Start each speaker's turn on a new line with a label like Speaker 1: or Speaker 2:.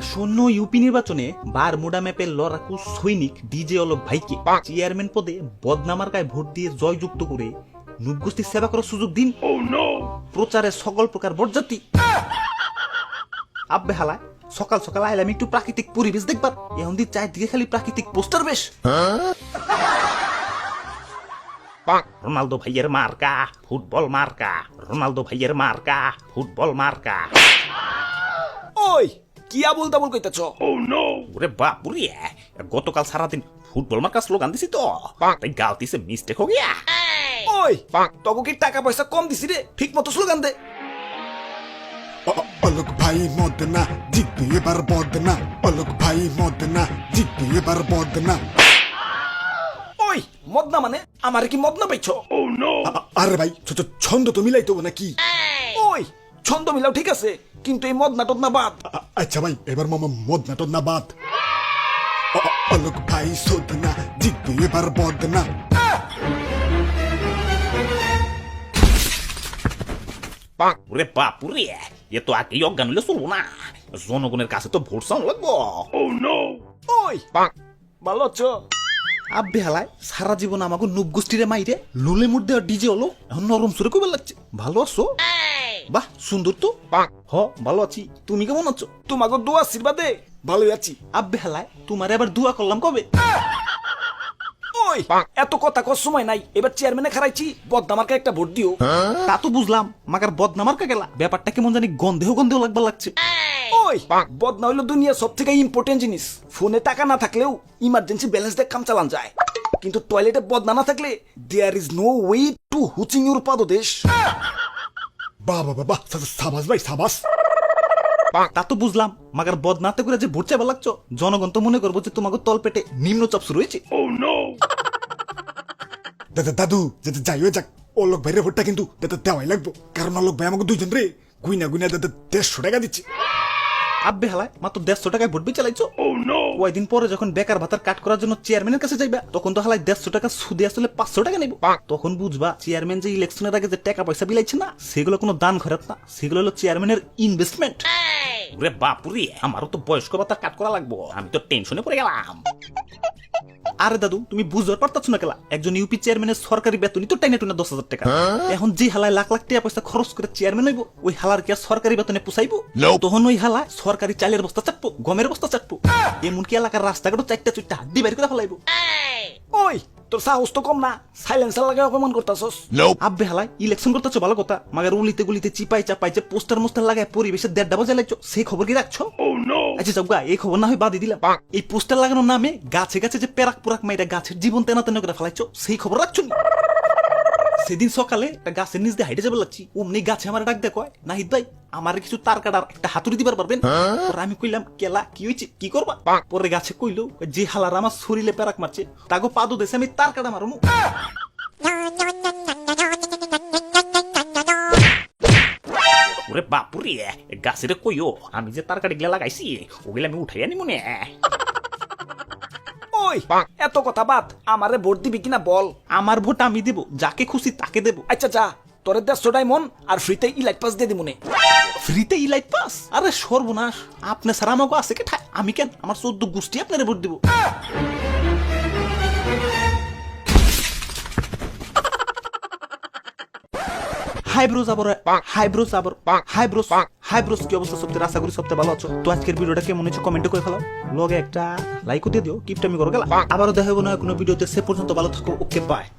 Speaker 1: আসন্ন ইউপি নির্বাচনে বারমুডা ম্যাপের লড়াকু সৈনিক ডিজে অলক ভাইকে চেয়ারম্যান পদে বদনামার্কায় ভোট দিয়ে জয়যুক্ত করে নুপগোষ্ঠীর সেবা করার সুযোগ দিন। প্রচারে সকল প্রকার বরযাত্রী আব্বে হালায় সকাল সকাল আইলাম একটু প্রাকৃতিক পরিবেশ দেখবার, এখন দিয়ে চারদিকে খালি প্রাকৃতিক পোস্টার বেশ। রোনালদো ভাইয়ের মার্কা ফুটবল মার্কা, রোনালদো ভাইয়ের মার্কা ফুটবল মার্কা।
Speaker 2: ওই কি আবুল তাবুল কইতাছ?
Speaker 1: ওরে বাপুরে, গতকাল সারাদিন ফুটবল মার্কা স্লোগান দিছি তো, তাই গালতিছে মিস্টেক হো গিয়া।
Speaker 2: ওই তোকে কি টাকা পয়সা কম দিছি রে, ঠিক মতো স্লোগান দে।
Speaker 3: অলক ভাই মদ না জিতবে এবার বদ না, অলক ভাই মদ না জিতবে এবার বদ না।
Speaker 2: ওই মদনা মানে আমারে কি মদনা পাইছো?
Speaker 3: আরে ভাই ছন্দ তো মিলাই তো নাকি?
Speaker 2: ওই ছন্দ মিলাও ঠিক আছে, কিন্তু এই মদনা টদনা বাদ।
Speaker 3: আচ্ছা ভাই এবার মামা মদ না টদ না বাদ। অলক ভাই শোধ না জিতবে এবার বদ না।
Speaker 1: ওরে বাপুরে, এ তো আগেই অজ্ঞান হলে চলবো না, জনগণের কাছে তো ভোট চাও লাগবো।
Speaker 2: ওই ভালো আছো?
Speaker 1: আব্বে হালায় সারা জীবন আমাকে নুপগোষ্ঠীরে মাইরে লুলে মুড দেওয়া ডিজে হলো, এখন নরম সুরে কবে লাগছে। ভালো আছো? বাহ সুন্দর তো। হ ভালো আছি, তুমি কেমন আছো?
Speaker 2: তোমাকে দোয়া আশীর্বাদে ভালোই আছি।
Speaker 1: আব্বে হালায় তোমার এবার দোয়া করলাম কবে?
Speaker 2: ওই এত কথা কর সময় নাই, এবার চেয়ারম্যানে খারাইছি, বদনামার্কে একটা ভোট দিও।
Speaker 1: তা তো বুঝলাম, মাকার বদনামার কা গেলা ব্যাপারটা কেমন জানি গন্ধেও গন্ধেও লাগবার লাগছে।
Speaker 2: ওই বদনা হইলো দুনিয়া সব থেকে ইম্পর্টেন্ট জিনিস। ফোনে টাকা না থাকলেও ইমার্জেন্সি ব্যালেন্স দিয়ে কাম চালান যায়, কিন্তু টয়লেটে বদনা না থাকলে there is no way to হুচিং ইউর পাদদেশ।
Speaker 3: বাবা বাবা সাবাস ভাই সাবাস।
Speaker 1: তা তো বুঝলাম, মাগার বদনাতে করে যে ভোট চাইবার লাগছো, জনগণ তো মনে করবো যে তোমাকে তল পেটে নিম্নচাপ শুরু হয়েছে।
Speaker 3: দাদু যাতে যাই হয়ে যাক, অলক ভাইয়ের ভোটটা কিন্তু দেওয়াই লাগবো, কারণ অলক ভাই আমাকে দুইজন রে গুইনা গুইনা 150 টাকা দিচ্ছে।
Speaker 1: আব্বে হালায় মাত্র 150 টাকায় ভোট বি চালাইছো। কয়দিন পরে যখন বেকার ভাতার কাট করার জন্য চেয়ারম্যানের কাছে যাইবা, তখন তো হালায় 150 টাকা সুদে আসলে 500 টাকা নেব। তখন বুঝবা চেয়ারম্যান যে ইলেকশনের আগে যে টাকা পয়সা বিলাইছে না, সেগুলো কোনো দান খরচ না, সেগুলো হলো চেয়ারম্যানের ইনভেস্টমেন্ট। ওরে বাপুরে, আমারও তো বয়স্ক ভাতা কাট করা লাগবো, আমি তো টেনশনে পড়ে গেলাম। আরে দাদু তুমি বুঝতে পারতাছো না কেলা, একজন ইউপি চেয়ারম্যানের সরকারি বেতনই তো টাইনে টুনে 10,000 টাকা। এখন যে হালায় লাখ লাখ টাকা পয়সা খরচ করে চেয়ারম্যান হইব, ওই হালার কি আর সরকারি বেতনে পুষাইবো? তখন ওই হালা সরকারি চালের বস্তা চাটবো, গমের বস্তা চাটবো, এমনকি এলাকার রাস্তাঘাটও 4টা 4টা হাড্ডি বের করে ফেলাইবো।
Speaker 2: ওই তোর সাহস তো কম না, সাইলেন্সার লাগে অপমান করতাছস।
Speaker 1: আব্বে হালায় ইলেকশন করতেছো ভালো কথা, মাগার উলিতে গুলিতে চিপাই চাপাই যে পোস্টার মোস্টার লাগায় পরিবেশের 1.5 বাজে লাগছো, সেই খবর কি রাখছো? আচ্ছা যাও গা, এই খবর না হয় বাদই দিলাম, এই পোস্টার লাগানোর নামে গাছে গাছে যে পেরাক পুরাক মাইরা গাছের জীবন তেনা তেনা করে ফেলাইছো, সেই খবর রাখছো নি? সেদিন সকালে একটা গাছের নিচ দিয়ে হাইটে যাবে লাগছি, অমনি গাছে আমার ডাক দেয়, কয় নাহিদ ভাই আমার কিছু তার কাটার একটা হাতুড়ি দিবার পারবেন? পরে আমি কইলাম কেলা কি হয়েছে, কি করবা? পরে গাছে কইলো যে হালার আমার শরীরে পেরাক মারছে, তাকে পাদো দেশে আমি তার কাটা মারমু। ওরে বাপুরে, গাছের কইও আমি যে তার কাটি গিলা লাগাইছি, ওগুলা আমি উঠাই আনি মনে।
Speaker 2: ওই এত কথা বাদ, আমারে ভোট দিবি কিনা বল।
Speaker 1: আমার ভোট আমি দেব, যাকে খুশি তাকে দেব।
Speaker 2: আচ্ছা যা, তোরে 150 ডায়মন্ড আর ফ্রিতে ইলাইট পাস দিয়ে দিমুনে।
Speaker 1: ফ্রিতে ইলাইট পাস? আরে সর্বনাশ, আপনি সারা আমাকে আছে কে ঠায়, আমি কেন আমার 14 গোষ্ঠী আপনারে ভোট দিব। হাইব্রোস কি অবস্থা সবচেয়ে, আশা করি সবচেয়ে ভালো আছো। তো আজকের ভিডিওটা কেমন হয়েছে কমেন্টে করে ফেলাও, লগে একটা লাইকও দিয়ে দিও, কিপটা আমি করে গেলাম। আবারও দেখা হবে না কোনো ভিডিওতে, সে পর্যন্ত ভালো থাকো, ওকে বাই।